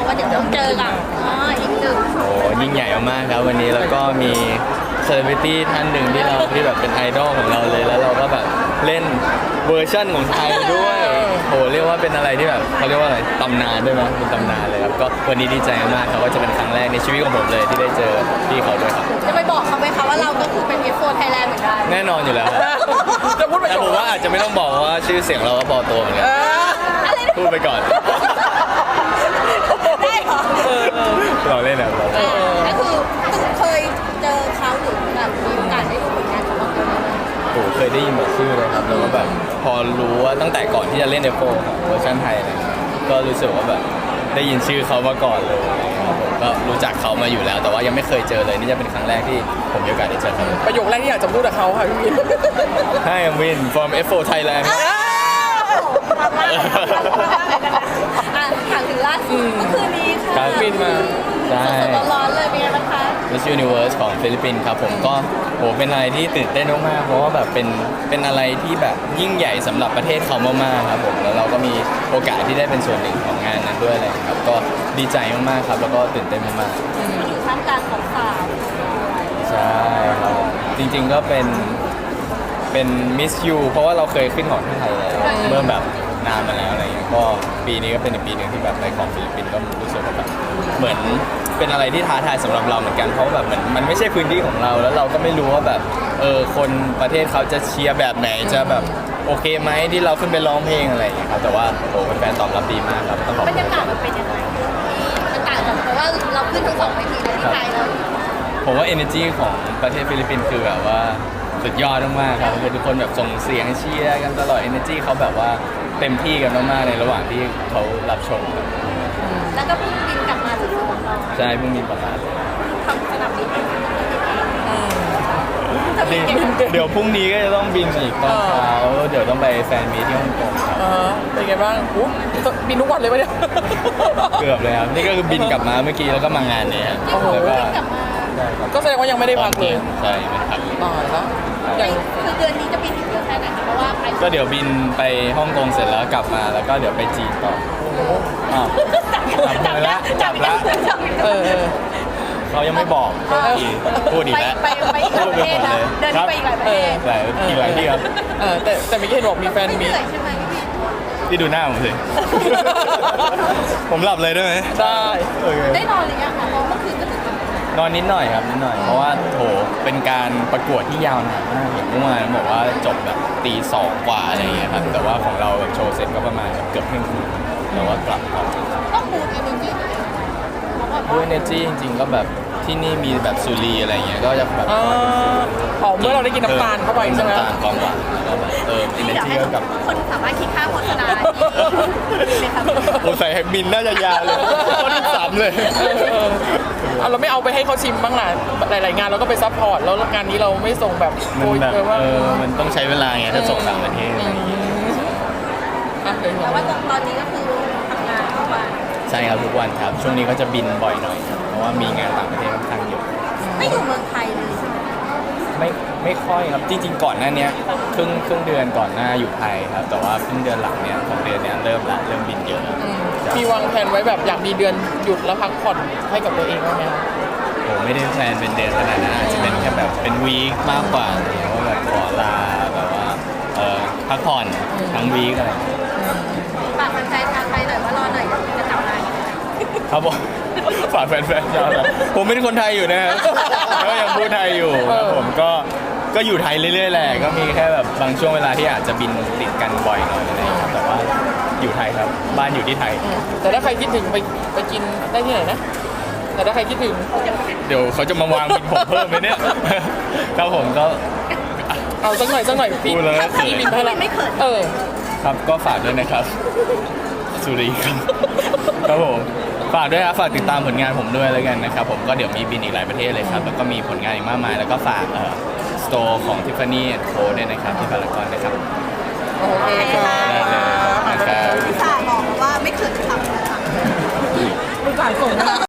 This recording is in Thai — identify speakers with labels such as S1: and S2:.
S1: ว่าเดี๋ยวต้องเจอกับอีกหนึ่ง
S2: โอ้ยิ่งใหญ่มากครับวันนี้แล้วก็มีเซเลบริตี้ท่านหนึ่งที่แบบเป็นไอดอลของเราเลยแล้วเราก็แบบเล่นเวอร์ชั่นของไทยด้วยโอ้เรียกว่าเป็นอะไรที่แบบเขาเรียกว่าอะไรตำนานด้วยมั้ยเป็นตำนานเลยครับก็วันนี้ดีใจมากครับว่าจะเป็นครั้งแรกในชีวิตของผมเลยที่ได้เจอพี่เขาด้วยครับ
S1: จะไปบอกเขาไหมคะว่าเราก็คือเป็น F4 Thailand เหมือนกัน
S2: แน่นอนอยู่แล้ว
S3: จะพูดไป
S2: แต่ผมว่าอาจจะไม่ต้องบอกว่าชื่อเสียงเราก็พอตัวเหมือนกันพูดไปก่อน
S1: ได้เหรอ
S2: เราเล่นแบบเรา
S1: ก็คือเคยเจอเขาหรือแบบมีโอกาสได้ดูผลงานของเขาไหม
S2: โอ้เคยได้ยินแบบชื่อเลยครับแล้วก็แบบพอรู้ว่าตั้งแต่ก่อนที่จะเล่น F4 ครับเวอร์ชันไทยเลยก็รู้สึกว่าแบบได้ยินชื่อเขามาก่อนเลยครับผมก็รู้จักเขามาอยู่แล้วแต่ว่ายังไม่เคยเจอเลยนี่จะเป็นครั้งแรกที่ผมมีโอกาสได้เจอเขา
S3: ประโยคแรกที่อยากจะพูดกับเขาค่ะพี่วิน
S2: Hi I'm Win from F4 Thailand
S1: ถามถึงล่าสุดเมื่อคืนนี้ค่ะ
S2: บินมาใช่
S1: สดๆร้อนๆเลยเป็นไงบ้างคะ
S2: Miss Universe ของฟิลิปปินส์ครับผมก็โหเป็นอะไรที่ตื่นเต้นมากๆเพราะว่าแบบเป็นอะไรที่แบบยิ่งใหญ่สำหรับประเทศเขามากๆครับผมแล้วเราก็มีโอกาสที่ได้เป็นส่วนหนึ่งของงานนั้นด้วยอะไรครับก็ดีใจมากๆครับแล้วก็ตื่นเต้นมาก
S1: ๆอยู่ท่ามกลางของสาว
S2: ใช่ครับจริงๆก็เป็น Miss You เพราะว่าเราเคยขึ้นของที่ไทยแล้วเมื่อแบบนานมาแล้วอะไรเงี้ยก็ปีนี้ก็เป็นอีกปีหนึ่งที่แบบได้ของฟิลิปปินส์ก็รู้สึกว่าแบบเหมือนเป็นอะไรที่ท้าทายสำหรับเราเหมือนกันเพราะแบบมันไม่ใช่พื้นที่ของเราแล้วเราก็ไม่รู้ว่าแบบคนประเทศเขาจะเชียร์แบบไหนจะแบบโอเคไหมที่เราขึ้นไปร้องเพลงอะไรอย่างเงี้ยครับแต่ว่าโอ้แฟนตอบรับดีมากครับต้องขอบคุณ
S1: บรรยากาศมันเป็นยังไงมันต่างจากเพราะว่าเราขึ้นทั้งสองเวทีเลยที่ไทยเรา
S2: ผมว่า energy ของประเทศฟิลิปปินส์คือแบบว่าสุดยอดมากๆครับคือทุกคนแบบส่งเสียงเชียร์กันตลอด energy เขาแบบว่าเต็มที่กันมากๆในระหว่างที่เขารับชมครับ
S1: แล้วก็เพิ่งบินกลับมาจากสนามบิน
S2: ใช่เพิ่งบินกลับมา
S1: ทำสนามบิน
S2: เดี๋ยวพรุ่งนี้ก็จะต้องบินอีกตอนเช้าเดี๋ยวต้องไปแฟนมีที่ฮ่องกงครับ
S3: เป็นไงบ้างบินทุกวันเลยปะเนี่ย
S2: เกือบเลยครับนี่ก็คือบินกลับมาเมื่อกี้แล้วก็มางานเนี่ย
S1: แล้วก็
S3: ก็แสดงว่ายังไม่ได้พักเลย
S2: ใช่ไม่พัก
S3: ตายแล้ว
S1: คือเดือนนี้จะบินอีกเยอะแค่ไหนคะเพราะว่า
S2: ก็เดี๋ยวบินไปฮ่องกงเสร็จแล้วกลับมาแล้วก็เดี๋ยวไปจีนต่อ
S1: จับแล้ว
S2: เขายังไม่บอกพูดอีกแล้ว
S1: ไปอีกหลายประเทศนะเดินไปอีกหลายประเทศ
S2: อีกหลายที่ครับ
S3: แต่ไม่ใช่บอกมีแฟนมี
S1: ใช่ไหม
S2: พี่ดูหน้าผมสิผมหลับเลยได้ไหม
S1: ได้นอนหรือยังคะเพราะเมื่อคืนก็ถึง
S2: นอนนิดหน่อยครับนิดหน่อยเพราะว่าโถเป็นการประกวดที่ยาวนานมากอย่างเมื่อวานบอกว่าจบแบบตีสองกว่าอะไรอย่างเงี้ยครับแต่ว่าของเราแบบโชว์เสร็จก็ประมาณเกือบเที่ยงคืนแต่ว่ากลับ
S1: ต้องบูทเอเนจี
S2: บูทเอเนจีจริงๆก็แบบที่นี่มีแบบสุรีอะไรเงี้ยก็จะแบบ
S3: เมื่อเราได้กินน้ำตาลเข้าไปใช่ไหม
S2: น้ำตาลความหวานแล้วก็แบบเอเนจีกับ
S1: คนสามารถคิดค่าโฆษณา
S2: โอ้ใส่แฮกบินน่าจะยาวเลยคนที่สามเลย
S3: เราไม่เอาไปให้เขาชิมบ้างล่ะหลายๆงานเราก็ไปซัพพอร์ตแล้วงานนี้เราไม่ส่งแบบ
S2: โอยแบบว่ามันต้องใช้เวลาไงถ้าส่งต่างประเทศ
S1: แต่ว่าตอนนี้ก็คือทำงานทุกวัน
S2: ใช่ครับทุกวันครับช่วงนี้ก็จะบินบ่อยหน่อยเพราะว่ามีงานต่างประเทศค่อนข้างเยอะ
S1: ไม่อยู่เมืองไทยเลย
S2: ไม่ค่อยครับจริงๆก่อนหน้านี้ครึ่งเดือนก่อนหน้าอยู่ไทยครับแต่ว่าครึ่งเดือนหลังเนี่ยของเดือนเนี้ยเริ่มบินเยอะ
S3: มีวางแผนไว้แบบอยากมีเดือนหยุดแล้วพักผ่อนให้กับตัวเองบ้างไหมครับ
S2: ผมไม่ได้แพลนเป็นเดือนขนาดนั้นอาจจะเป็นแค่แบบเป็นวีคมากกว่าอะไรอย่างเงี้ยว่าแบบขอลาแบบว่าพักผ่อนทั้งวีคอะไร
S1: ฝากแฟนๆทางไทยหน่อยว่ารอหน่อยจะกลับมา
S2: ครับผมฝากแฟนๆชาวไทยผมเป็นคนไทยอยู่นะครับก็ยังพูดไทยอยู่ผมก็อยู่ไทยเรื่อยๆแหละก็มีแค่แบบบางช่วงเวลาที่อาจจะบินติดกันบ่อยหน่อยอะไรอย่างเงี้ยแต่ว่าอยู่ไทยครับบ้านอยู่ที่ไทย
S3: แต่ถ้าใครคิดถึงไปกินได้ที่ไหนนะแต่ถ้าใครคิดถึง
S2: เดี๋ยวเขาจะมาวางบินผมเพิ่มไหมเนี่ยครับผมก็
S3: เอาสักหน่อยพี่
S1: บินให้เราไม่เขิน
S2: ครับก็ฝากด้วยนะครับสุรีครับผมฝากด้วยครับฝากติดตามผลงานผมด้วยแล้วกันนะครับผมก็เดี๋ยวมีบินอีกหลายประเทศเลยครับแล้วก็มีผลงานอีกมากมายแล้วก็ฝากสโตร์ของ Tiffany & Co ด้วยนะครับที่พารากอนนะครับ
S3: โอเคค่ะ
S2: ได้เลยนะครับ
S1: พี่สาบอกว่าไม่เขินคำนะคะ
S3: พี่สาส่ง